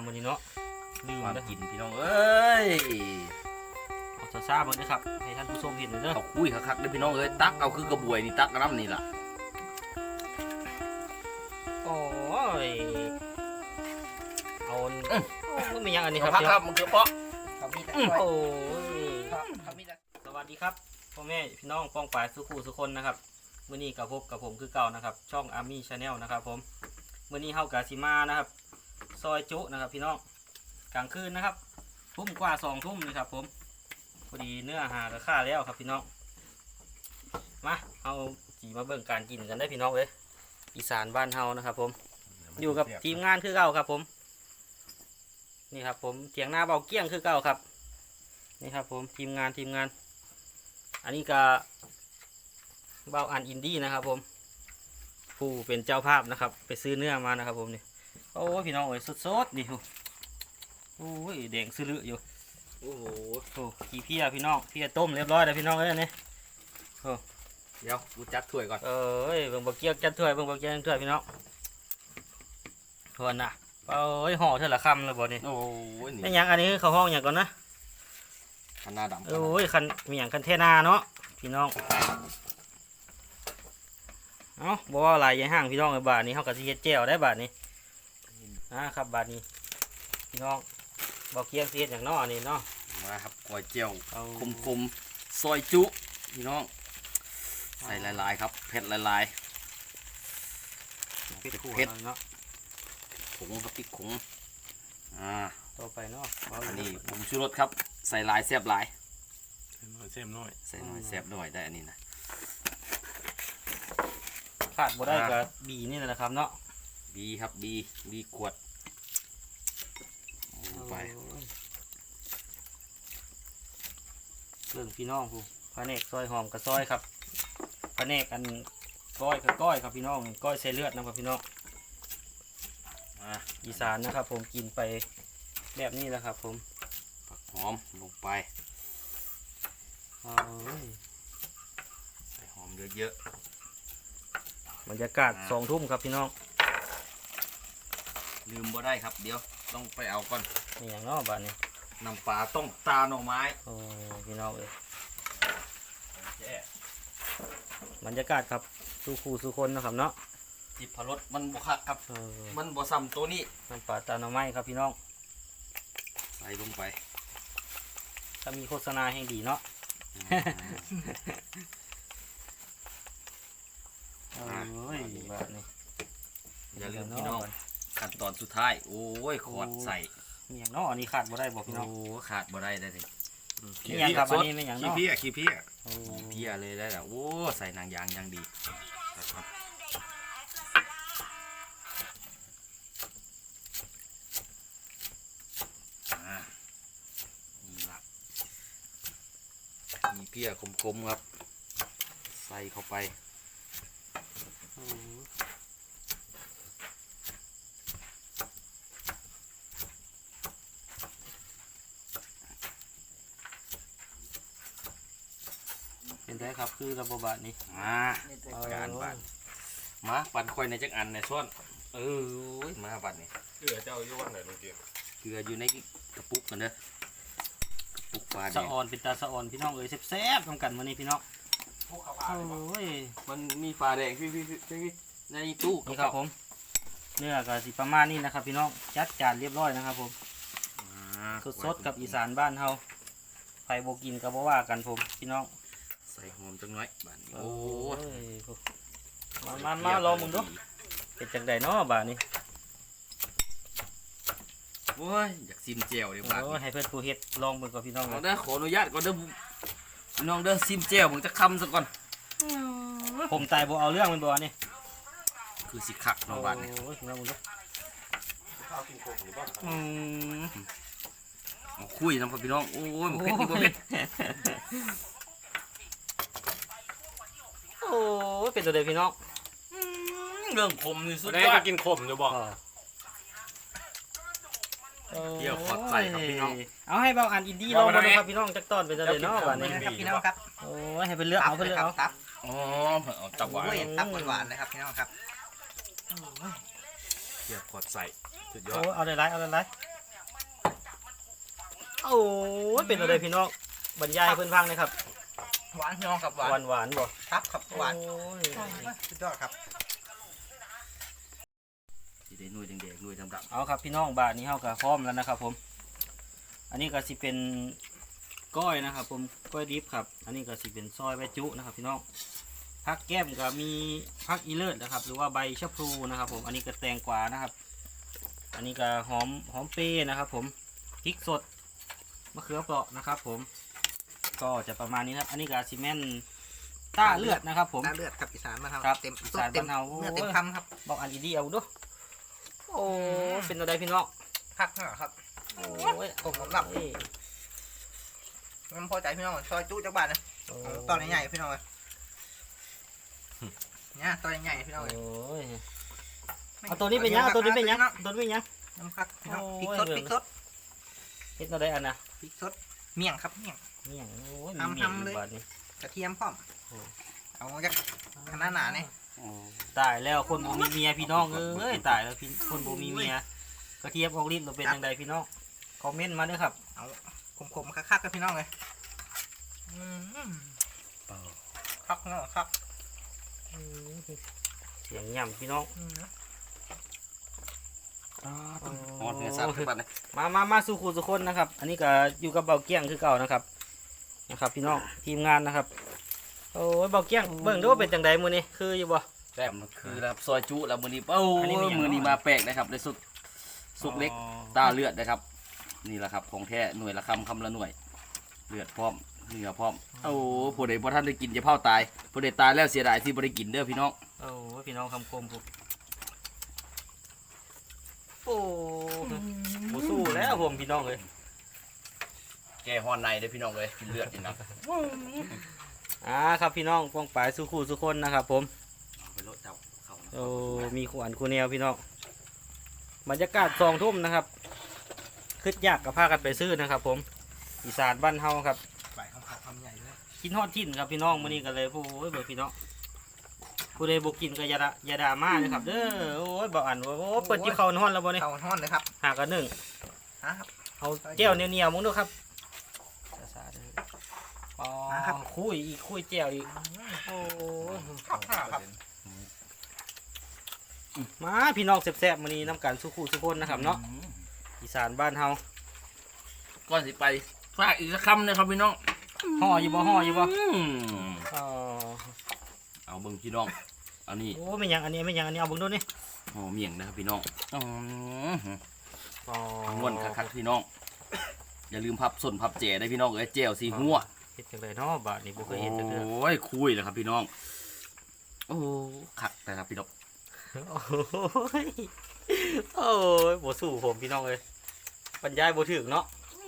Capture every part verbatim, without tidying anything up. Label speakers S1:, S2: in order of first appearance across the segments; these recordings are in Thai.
S1: มื้อนี้เนาะลืม
S2: ความ
S1: เด้อ
S2: กินพี่น้องเอ้ย
S1: เอาซาๆเบิ่งเด้อครับให้ท่านผู้ชมเห็นเด้อ
S2: เอาคุยคักๆเด้อพี่น้องเอ้ยตักเอาคือกระบวยนี่ตักน้ำนี่ล่ะ
S1: โอ้ยเอามันมีหยังอันนี้ครับ
S2: พักครับมันคือเปาะ
S3: เขามีแต่
S1: โอ้ย
S3: เขามีแต่
S1: สวัสดีครับพ่อแม่พี่น้องป้องปายสุขุสุคนนะครับมื้อนี้กับพบกับผมคือเก่านะครับช่อง Army Channel นะครับผมมื้อนี้เฮากะสิมานะครับซอยจุนะครับพี่น้องกลางคืนนะครับทุ่มกว่าสองทุ่มนะครับผมพอดีเนื้อหาก็ค่าแล้วครับพี่น้องมาเอาจีมาเบิ่งการกินกันได้พี่น้องเลยอีสานบ้านเฮานะครับผมอยู่กับทีมงานคือเก่าครับผมนี่ครับผมเถียงหน้าเบาเกี้ยงคือเก่าครับนี่ครับผมทีมงานทีมงานอันนี้ก็เบาอันอินดี้นะครับผมผู้เป็นเจ้าภาพนะครับไปซื้อเนื้อมานะครับผมนี่โอ้ยพี่น้องเอ้ยสดๆนี่โอ้ยแดงซื้ออยู่โอ้โหโอ้ขี้เพี้ยพี่น้องเพี้ยต้มเรียบร้อยแล้วพี่น้องเอ้ยนี่
S2: เดี๋ยวกูจัดถ้วยก่อน
S1: เอ้ยเบิ่งบะเกียกจัดถ้วยเบิ่งบะเกียกจัดถ้วยพี่น้องทวนน่ะเอ้ยห่อเท่าละคำเลยบ่นี่
S2: โอ้ย
S1: ไม่
S2: นี่
S1: หยังอันนี้เขาห้องอย่างก่อนนะ
S2: คันหน้าดำ
S1: โอ้ยคันมีอย่างคันเทนาเนาะพี่น้องเอ้าบอกว่าอะไรยังห่างพี่น้องในบาทนี้เขาก็สิเฮ็ดแจ่วได้บาทนี้นะครับบาทนี้พี่น้องบะเกียกสิเฮ็ดอย่างเนาะอันนี้เนาะ
S2: มาครับก๋วยเจียว
S1: เอา
S2: คมๆซอยจุพี่น้องใส่ลายๆครับเผ็ดลาย
S1: เผ็ดขั่ว
S2: เผ็ด
S1: เนาะ
S2: ๆผงครับพริกผงอ่า
S1: ต่อไปเนาะเอา
S2: อันนี้ผงชูรสครับใส่ลายแซ่บหลาย
S4: น้อยเซมน้อย
S2: ใส่หน่อยแซ่บหน่อยได้อันนี้นะ
S1: ขาดบ่ได้ก็บีนี่แหละนะครับเนาะ
S2: บีครับบีบีขวดลงไป
S1: เรื่องพี่น้องผู้พระเนกซอยหอมกับซอยครับพระเนกอันก้อยกับก้อยครับพี่น้องก้อยใส่เลือดนะครับพี่น้อง
S2: อ่า
S1: อีสานนะครับ ผมกินไปแบบนี้แหละครับผม
S2: ผักหอมลงไป
S1: เอาเว้ย
S2: ใส่หอมเยอะ
S1: บรรยากาศสองทุ่มครับพี่น้อง
S2: ๆลืมบ่ได้ครับเดี๋ยวต้องไปเอาก่อน
S1: นี่อย่างเนอกบ้านนี้
S2: น้ำปลาต้องตาหน่อไม้
S1: โอ้พี่น้องเอ้ยบรรยากาศครับสู้คู่สู้คนนะครับเนาะ
S2: จิบพรสมันบ่คักครับ
S1: เออ
S2: มันบ่ซ้ำตัวนี้
S1: น้ำปลาตาหน่อไม้ครับพี่น้อง
S2: ใส่ลงไป
S1: ถ้ามีโฆษณาแห่งดีเนาะโอ้ยบ้านนี้
S2: อย่าลืมพี่น้องขั้นตอนสุดท้ายโอ้ยขอดใส่
S1: มีอย่างเนาะอันนี้ขาดบ่ได้บอกพี่น้อง
S2: โอ้ขาดบ่ได้ได้เลย
S1: มีอย่างครับอันนี้มีอย่าง
S4: ขี้
S1: เนาะ
S4: เพี้ยขี้เพี้ย
S1: โอ้
S2: เพียเลยได้แล้วโอ้ใส่นางยางยังดีครับอ่านี่ละมีเพียคมๆครับ ใส่เข้าไป
S1: โอ้เป็นได้ครับคือระบบบาทนี้
S2: มาการบันมาปั่นค่อยในจักอันในส่วนเออโอ้ยมาบันนี่
S4: เกือเจ้าอยู่วันไหนลุงเกียร์
S2: เกลืออยู่ในกระปุกกันเด้อกระปุกปลาแด
S1: สะ
S2: ง
S1: ออนเป็นตาสะออนพี่น้องเอ้ยแซ่บๆทำกันวันนี้พี่น้องโอ้ย
S2: มันมีปลาแดงพี่พี่พี่ในตู้
S1: นี่ครับผมเนื้อก็สิประมาณนี้นะครับ พี่น้องจัดจานเรียบร้อยนะครับผมสดๆกับอีสานบ้านเฮาไผบ่กินก็บ่ว่ากันผมพี่น้อง
S2: ใส่หอมจังน้อยบันโอ้
S1: ยมามามาลองมึงดูเป็นจังไดเนาะบาดนี้
S2: โอ้ยอยากซิมเจลเลยบาด
S1: โอ้ยให้เพื่อนผู้เฮ็ดลองเบิ่งกับพี่น้อง
S2: เอา
S1: เลย
S2: เด้อขออนุญาตก่อนเด้อพี่น้องเด้อซิมเจลมึงจะคำซะก่อน
S1: ผมตายบ่เอาเรื่องมันบ่นี่
S2: คือสิคักเนาะบาดนี่
S1: โอ้ยพี่น้องมึงดู
S4: ข้าวกินโคกหรือเปล่า
S1: อืม
S2: เอาคุยนำกับพี่น้องโอ้ยบ่เผ็ดนี่บ่เผ็ด
S1: โอ้ยเป็นตัวเดียวพี่น้อง
S2: เรื่องขมนี่สุด
S4: ได้
S2: ยอ
S4: ก็
S2: ด
S4: กินขมอยู่บอก
S2: เดี๋ยวขอใส่ครับพี่น้อง
S1: เอาให้เบาอันอินดี้ลองมาดูครับพี่น้องจักตอนเป็นตัวเดียวเนาะบาดนี้
S3: ครับพี่น้องครับ
S1: โอ้ยให้เป็นเลือกเอาเป็นเลือกเอา
S3: ตับ
S2: อ๋อเอาตับหวาน
S3: โอ้ยตับหวานๆนะครับพี่น้องครับ
S4: เกียร์ขอดใส่สุดยอ
S1: โอ้
S4: ด
S1: ยเอาได้ไรเอาได้ไรโอ้ยเป็นอะไรพี่น้องบรรยายให้เพื่อนฟังหนะครับ
S3: หวานพี่น้องครับหวา
S1: หวาน นหวานๆบ่
S3: ครับครับหวาน
S1: โอ้ย
S3: สุดยอดครับ
S2: สิได้หน่วยแดงๆหน่วยดำ
S1: เอาครับพี่น้องบาทนี้เฮาก็พร้อมแล้วนะครับผมอันนี้ก็สิเป็นก้อยนะครับผมก้อยดิบครับอันนี้ก็สิเป็นซอยใบจุนะครับพี่น้องผักแก้มก็มีผักอีเลิศนะครับหรือว่าใบชะพลูนะครับผมอันนี้ก็แตงกวานะครับ อันนี้ก็หอมหอมเปรย์นะครับผมพริกสดมะเขือเปราะนะครับผมก็จะประมาณนี้นะครับอันนี้ก็ซีเมนต้าเลือดนะครับผม
S3: น้ำเลือดครับอีสานมานครับ
S1: ครับ
S3: เต็ม
S1: อีสาน
S3: เต็ม
S1: บ้านเฮา
S3: เนื้อเต็มคำครับ
S1: บอกอันดีๆเอาดูโอ้เป็นอะไรพี่น้อง
S3: คักมากครับ
S1: โอ้ย
S3: ผมผมหลับ
S1: เอ้ย
S3: มันพอใจพี่น้องซอยจุจักบาทนะ
S1: โอ้
S3: ตอนใหญ่ๆพี่น้องเลยเนี่ยตอนใหญ่ๆพี่น้องเลย
S1: โอ้ยเอาตัวนี้เป็นยังเอาตัวนี้เป็นยังตัวนี้เป็นยัง
S3: น้ำคักพี่น้อง
S1: โอ้
S3: พริก
S1: ย
S3: สดพริกสด
S1: เฮ็ดอะไรอันน่ะ
S3: พริกสดเมี่ยงครับเมี่ยง
S1: เมี่ยงโอ้ย
S3: ทำ
S1: มีเมี่ยง
S3: ทำ
S1: อ
S3: เลย
S1: ยู่บาดนี้
S3: กระเทียมพร้อม
S1: โอ้
S3: เอาจากขนาดหนาเนี่ย
S1: ตายแล้วคนบ่มีเมียพี่น้องเอ้ยตายแล้วพี่คนบ่มีเมียกระเทียมออกฤทธิ์เราเป็นยังไงพี่น้องคอมเมนต์มาด้วยครับ
S3: เอาขมๆคักๆกับพี่น้องเลยอืมคักเนาะคัก
S1: เสียงย่ำพี่น้อง
S3: อืม
S2: ๆฮอดเนื้อสัตว์ขึ้นมาเลย
S1: มามามาสู่คู่สุคนนะครับ อันนี้ก็อยู่กับเบาเกี้ยงคือเก่านะครับนะครับ พี่น้องทีมงานนะครับโอ้ยเบาเกี้ยงเบิ่งดูว่าเป็นจังใดมื้อนี้คืออยู่บ่
S2: แซ่บคือนะครับซอยจุแล้วมื้อนี้เอ้า
S1: อันนี้มีหยัง
S2: มื้อนี้มาแปลกนะครับได้สุกสุกเล็ก
S1: อ๋อ
S2: ตาเลือดนะครับ นี่แหละครับของแท้หน่วยละคำคำละหน่วย เลือดพร้อมเนื้อพร้อมโอ้ผู้ใดบ่ท่านได้กินจะเผาตายผู้ใดตายแล้วเสียดายที่บ่ได้กินเด้อพี่น้อง
S1: โอ้ยพี่น้องคำคมผมโอ้โหสู้แล้วผมพี่น้องเลย
S2: แกฮอนในเด้อพี่น้องเลยกินเลือดนี่นะ
S1: อ่าครับพี่น้องป้องปลายสู้คู่สู้คนนะครับ ผม
S2: ไปโลดเจ้าเข้า
S1: โอ้มีขวัญคูแนวพี่น้องบรรยากาศสองทุ่มนะครับคึดยากกับพากันไปซื้อนะครับ ผมอีสานบ้านเฮาครับ
S3: ใบของเขาคำใหญ่เลย
S1: กินฮอดทิ้นครับพี่น้องมื้อนี้กันเลยโอ้ยเบิดพี่น้องผู้ใดบ่กินก็อย่าด่าอย่าด่ามาเลยครับเด้อโอ้ยบ่อ่านว่าโอ้เปิดจิบเข้าฮ้อนแล้วบ่นี่
S3: เขาห้อนเลยครับ
S1: หากันหนึ่ง
S3: ฮะครับ
S1: เอาแก้วเหนียวๆมึงดูครับซาๆเด้ออ๋อ
S3: มาครับ
S1: คุยอีกคุยแก้วอีกโอ้ย
S3: คักมากครับ
S1: มาพี่น้องแซ่บๆมื้อนี้น้ำกันสู้คู่สู้คนนะครับเนาะอีสานบ้านเฮา
S2: ก่อนสิไปฝากอีกสักคำนะครับพี่น้อง
S1: ห่ออยู่บ่ห่ออยู่บ่
S2: อืม
S1: อ๋อ
S2: เอาเบิ่งพี่น้องเอานี่
S1: โอ้ไม่หยังอันนี้ไม่หยังอันนี้เอาเบิ่งดูนี่
S2: ห่อเมี่ยงนะครับพี่น้องอืม
S1: อ๋อ
S2: ม่วนคักๆพี่น้อง อย่าลืมพับส่วนพับแจได้พี่น้องเอ้ยแจวสีหัว
S1: เฮ็ดจังไดเนาะบาดนี้บ่เคยเฮ็ดจังเด้อ
S2: โอ้ยคุยเลยครับพี่น้อง โอ้คักนะครับพี่น้อง
S1: โอ้ยโอ้ยบ่สู้ผมพี่น้องเอ้ยบรรยายบ่ถึงเนาะ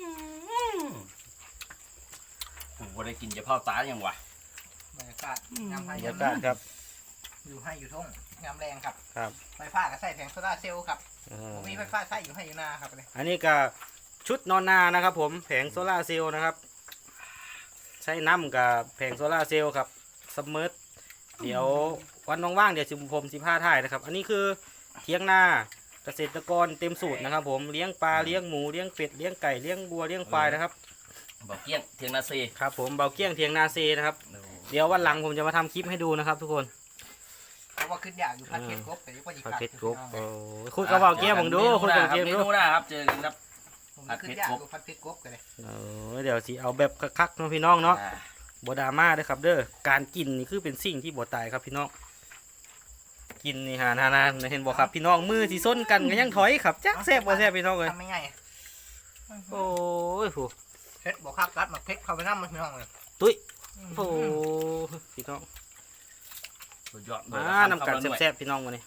S2: ผมบ่ได้กินจะเผาตาอย่างวะ
S3: บรรยากาศยาม
S1: บ
S3: ให้
S1: รร
S3: ยาย
S1: าม กาศครับ
S3: อยู่ให้อยู่ทุ่งยามแรงครับ
S1: ครับ
S3: ไฟฟ้าก็ใส่แผงโซล่าร์เซลล์ครับ
S1: เออ
S3: ผมมีไฟฟ้าใช้อยู่ให้อยู่นาครับเลย
S1: อันนี้ก็ชุดนอนนานะครับ ผมแผงโซล่าร์เซลล์นะครับ ใช้น้ำกับแผงโซล่าร์เซลล์ครับซัมเมอร์เดี๋ยววันว่างๆเดี๋ยวสิผมสิพาถ่ายนะครับ อันนี้คือเทียงนาเกษตรกรเต็มสูตรนะครับ ผมเลี้ยงปลาเลี้ยงหมูเลี้ยงเป็ดเลี้ยงไก่เลี้ยงวัวเลี้ยงควายนะครับ
S2: บอกเกี้ยงเทียงนาซี
S1: ครับผมเบาเกี้ยงเทียงนาเซนะครับ เดี๋ยววันหลังผมจะมาทำคลิปให้ดูนะครับ ทุกคน
S3: เพราะว่าขึ้นอยากอยู่พัดเพชรกบแต่ยุคปัจจุ
S1: ผั
S3: บั
S1: ด
S3: น
S1: เผ็ดกบโอ้ยคุยกับเบาเกี้ยงผมดูคุยกับเบาเกี้ยง
S2: เม
S1: ดู
S2: นูหน้าครับเจอกันครับ
S3: ผมขึ้นอยากอยู่พัดเพชรกบกันเลย
S1: เออเดี๋ยวสิเอาแบบคักๆเนาะพี่น้องเนาะ
S2: อ่า
S1: บดราม่าเด้อครับเด้อการกินนี่คือเป็นสิ่งที่บ่ตายครับพี่น้องกินนี่ฮะนานาเห็นบ่ครับพี่น้องมือที่ส้นกันก็ยังถอยครับจักแซ่บบ่แซ่บพี่น้องเลย
S3: ทำไม่ง่าย
S1: โอ้ยโห
S3: เพชรบอกคักรัดมาเพชรเข้าไปน้ำมันพี่น้องเลย
S1: ตุ้ยโอ้ยพี่น้อง
S2: สุดยอด
S1: มาน้ำกันแซ่บๆพี่น้องวันนี้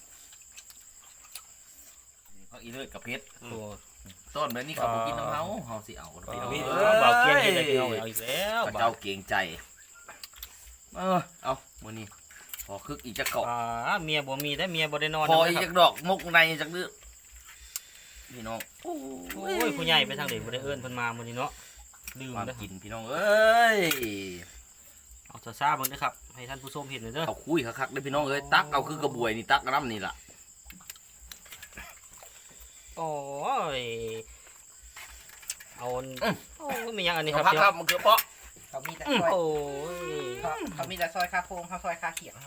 S2: เขาอีเลือดกับเพชร
S1: โอ้ย
S2: ต้นแบบนี้เขาบอกกินน้ำเฮาเฮาสิเอาเนาะพี่น้อง
S1: เออเบาเกี้ยงเห็นเลยพี่น้องเอาอีกแล้ว
S2: พระเจ้าเกรงใจเออเอามื้อนี้พอคึกอีกจักเกาะ
S1: อ่าเมียบ่มีได้เมียบ่ได้นอน
S2: พอ
S1: นะ
S2: อีก
S1: ค
S2: จั
S1: รับ
S2: กดอกมกในจักดื้อพี่น้อง
S1: โอ้ยผู้ใหญ่ไปทางไหนบ่ได้เอิ้นเพิ่นมามื้อนี้เนาะลืม
S2: ความ
S1: เด้อ
S2: กินพี่น้องเอ้ย
S1: เอาซ่าๆเบิ่งเด้อครับให้ท่านผู้ชมเห็นหน่อยเด้อ
S2: เอาคุยคักๆเด้อพี่น้องเอ้ยตักเอาคือกระบวยนี่ตักน้ำนี่ล่ะ
S1: โอ้ยเอามันโอ้ยมีหยังอันนี้
S2: นี่
S1: ค
S2: ค
S1: รั
S2: รั
S1: บบ พี่น้อง
S2: ครับมันคือเปาะ
S3: เขามีแต่
S1: อืม
S3: ซอย
S1: โอ้ย
S3: เขาเขามีแต่ซอยคาโค้งเขาซอยคาเขียงเขา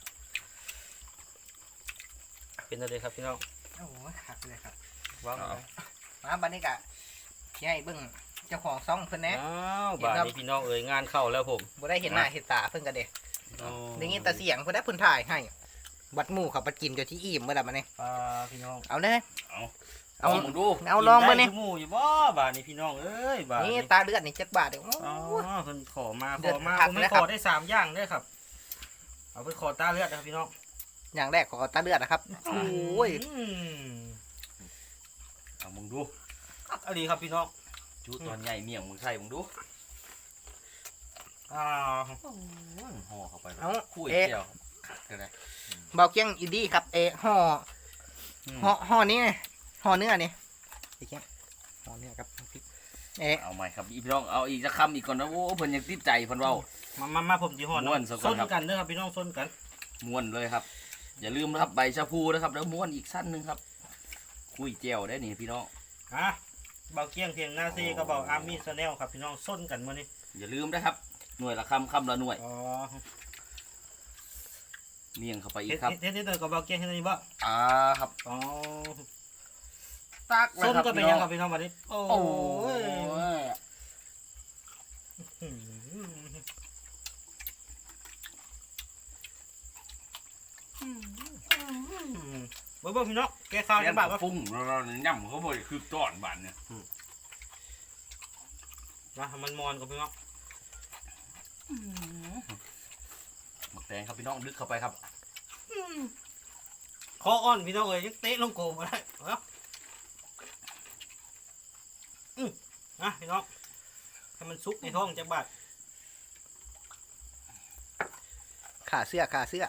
S1: เป็นอะไรครับพี่น้อง
S3: โอ้ยคักเลยครับ
S1: ว้าว
S3: มาบัดนี้กะที่ให้เบิ่งเจ้าของซ่องเพิ่นแหน่
S1: อ้าวบาดนี้พี่น้องเอ๋ยงานเข้าแล้วผม
S3: บ่ได้เห็นหน้าเห็นตาเพิ่นก็เด้ได้ยินแต่เสียงเพิ่นได้เพิ่นถ่ายให้บัดหมู่เขาไปกินจนที่อิ่มเมื่อใดมาเนี่ย
S1: ปลาพี่น้อง
S3: เอาเด้อ
S2: เอา
S3: เอา
S2: มึงดู
S3: เอาลองมาเนี่ย
S1: กิได้ทุกหมู่อยู่บ่บาดนี้พี่น้องเอ้ยบาด
S3: นี่
S1: นี้
S3: ตาเลือดนี่จักบาทเด้อ
S1: อ๋อ
S3: โอ้ย
S1: เพิ่นขอมา
S3: เดื
S1: ข
S3: อด
S1: อมา
S3: คัก
S1: ผมไม่
S3: เลย
S1: ข
S3: ครับ
S1: อได้สามอย่างเด้อครับเอาไปขอตาเลือดนะครับพี่น้อง
S3: อย่างแรกขอตาเลือดนะครับโอ้ย
S1: อืม
S2: เอามึงดู
S1: เอาดีครับพี่น้อง
S2: จุตอนใหญ่เมี่ยงมึงใส่มึงดู
S1: อ่า
S2: ห่อเข้าไป
S3: เอา
S2: คุย
S3: เอ๊ะ
S2: เจียวก็ได้
S3: เบาเกียงอินดี้ครับเอะห่อห่อห่อนี้ไงห่อเนื้อนี่ไอ้เกียงห่อเนื้อครับพริกเอ๊ะ
S2: เอาใหม่ครับอีพี่น้องเอาอีกสักคำอีกก่อนนะโอ้เพิ่นยังติดใจเพิ่นเว้า
S1: มามามาผมจีห่อ
S2: ม่วนซะก่อน
S1: ส้น
S2: ครับ
S1: กันเด้อครับพี่น้องส้นกัน
S2: ม้วนเลยครับ อย่าลืมนะครับใบชะพูนะครับแล้วม้วนอีกสั้นหนึงครับคุยเจียวได้นี่พี่น้อง
S1: อ่ะเบาเกี้ยงเพียงหน้าซีก็เบาอาร์มี่ชาแนลครับพี่น้องส้นกันมื้อนี้
S2: อย่าลืมนะครับหน่วยละคำคำละหน่วย
S1: อ๋อ
S2: เมี่ยงเข้าไปอี
S1: เฮ็
S2: ก
S1: ด
S2: ครับ
S1: เฮ็ดเฮ็ดเฮ็ดกับเบาเกี้ยงเฮ็ดอันนี้บ่
S2: อ่าครับ
S1: อ๋อ
S2: ตักเลย
S1: ส้น
S2: ครับ
S1: ก็เป็น
S2: พี่
S1: ยั
S2: น้
S1: ง
S2: อง
S1: ครับพี่น้องวันนี้โอ้
S2: โอ้
S1: ย
S2: ย
S1: อืมเบิ่งเบิ่งพี่น้องแกข้าว
S2: เลี้
S1: ยั
S2: ย
S1: ง
S2: ง
S1: บา
S2: บา
S1: ดวะ
S2: ฟุ้งเราๆย่ำเขาบ่อยคือต้อนบานเนี่ย
S1: มาให้มันมอนกับพี่น้อง
S2: หมักแตงครับพี่น้องดึกเข้าไปครับ
S1: คออ่อนพี่น้องเอ้ยยังเตะลงโกงมาได้เอาอืมนะพี่น้องให้มันซุกในท้องจักบาด
S3: ขาเสื้อขาเสื้อ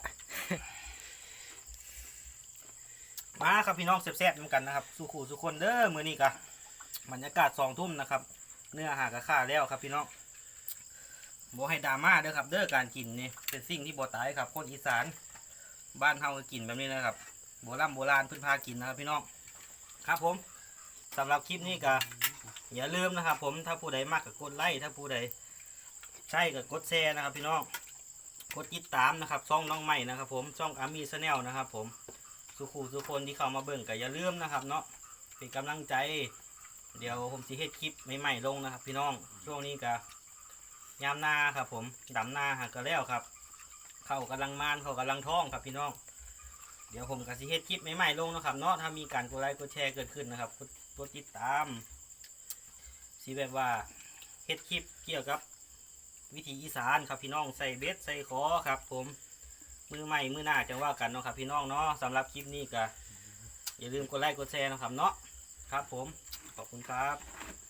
S1: มาครับพี่น้องแซ่บๆนำกันนะครับสู่ขู่สู่คนเด้อมื้อนี้กะบรรยากาศสองทุ่มนะครับ เนื้อหากระค่าแล้วครับพี่น้องบ่ให้ดราม่าเด้อครับ เด้อการกินนี่เป็นสิ่งที่บ่ตายครับ คนอีสานบ้านเฮาก็กินแบบนี้นะครับโบราณโบราณเพิ่นพากินนะครับพี่น้องครับผมสำหรับคลิปนี้ก็อย่าลืมนะครับ ผมถ้าผู้ใดมากก็กดไลค์ถ้าผู้ใดใช่ก็กดแชร์นะครับ พี่น้องกดติดตามนะครับช่องน้องใหม่นะครับ ผมช่องอาร์มี่ชาแนลนะครับ ผมสุขูสุคนที่เข้ามาเบิ่งก็อย่าลืมนะครับ เนาะเป็นกำลังใจ เดี๋ยวผมสิเฮ็ดคลิปใหม่ๆลงนะครับ พี่น้องช่วงนี้ก็ยามนาครับ ผมดำนาหากก็แล้วครับ เข้ากำลังมานเข้ากำลังท้องครับพี่น้องเดี๋ยวผมก็สิเฮ็ดคลิปใหม่ๆลงนะครับ เนาะถ้ามีการกดไลค์กดแชร์เกิดขึ้นนะครับกดกดติดตามสิแบบว่าเฮ็ดคลิปเกี่ยวกับวิถีอีสานครับพี่น้องใส่เบ็ดใส่ขอครับ ผมมือใหม่มือหน้าจะว่ากันเนาะครับพี่น้องเนาะสำหรับคลิปนี้ก็อย่าลืมกดไลค์กดแชร์นะครับเนาะครับผมขอบคุณครับ